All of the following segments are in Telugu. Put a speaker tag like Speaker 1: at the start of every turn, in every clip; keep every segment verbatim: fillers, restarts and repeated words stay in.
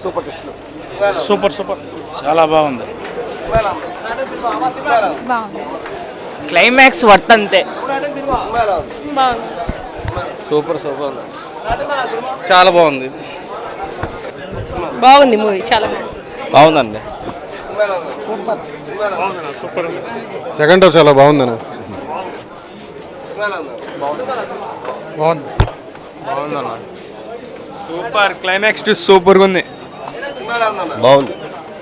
Speaker 1: Super test.
Speaker 2: సూపర్ సూపర్
Speaker 3: చాలా బాగుంది.
Speaker 2: క్లైమాక్స్ వర్త్ అంతే.
Speaker 1: సూపర్ సూపర్ చాలా బాగుంది.
Speaker 4: బాగుంది మూవీ, చాలా
Speaker 1: బాగుందండి.
Speaker 5: సెకండ్ హాఫ్ చాలా బాగుందన్న. బాగుంది
Speaker 1: బాగుందన్న. సూపర్ క్లైమాక్స్ టు సూపర్గా ఉంది.
Speaker 5: బాగుంది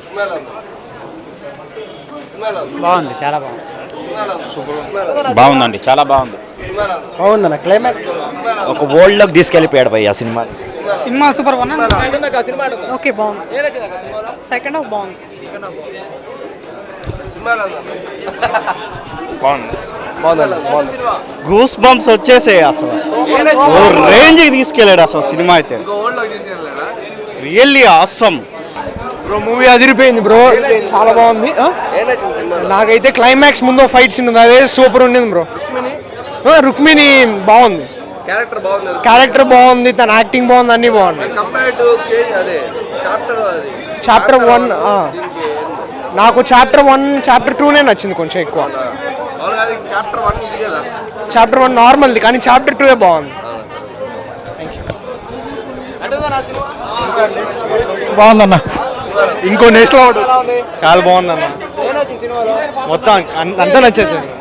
Speaker 2: బాగుంది, చాలా బాగుంది.
Speaker 3: బాగుందండి, చాలా బాగుంది.
Speaker 5: బాగుందన్న. క్లైమాక్స్
Speaker 3: ఒక వరల్డ్ లోకి తీసుకెళ్ళిపోయాడు భయ్య cinema.
Speaker 4: Cinema super one okay బాగుంది. సెకండ్ హాఫ్ బాగుంది.
Speaker 3: బాగుంది. గూస్ బంప్స్ వచ్చేసాయి అసలు. ఓ రేంజ్ తీసుకెళ్ళాడు అసలు సినిమా అయితే. Really awesome
Speaker 6: bro. మూవీ అదిరిపోయింది బ్రో, చాలా బాగుంది. నాకైతే క్లైమాక్స్ ముందు ఫైట్ సీన్ ఉంది, అదే సూపర్ ఉండింది బ్రో. రుక్మిణి బాగుంది,
Speaker 1: క్యారెక్టర్ బాగుంది.
Speaker 6: క్యారెక్టర్ బాగుంది, తన యాక్టింగ్ బాగుంది, అన్ని బాగుంది. చాప్టర్ వన్ నాకు చాప్టర్ వన్ చాప్టర్ టూనే నచ్చింది కొంచెం ఎక్కువ. చాప్టర్ వన్ నార్మల్ది, కానీ చాప్టర్ టూ బాగుంది.
Speaker 5: బాగుందన్న.
Speaker 6: ఇంకో నెక్స్ట్
Speaker 5: చాలా బాగుందన్న.
Speaker 6: మొత్తం అంతా నచ్చేసింది.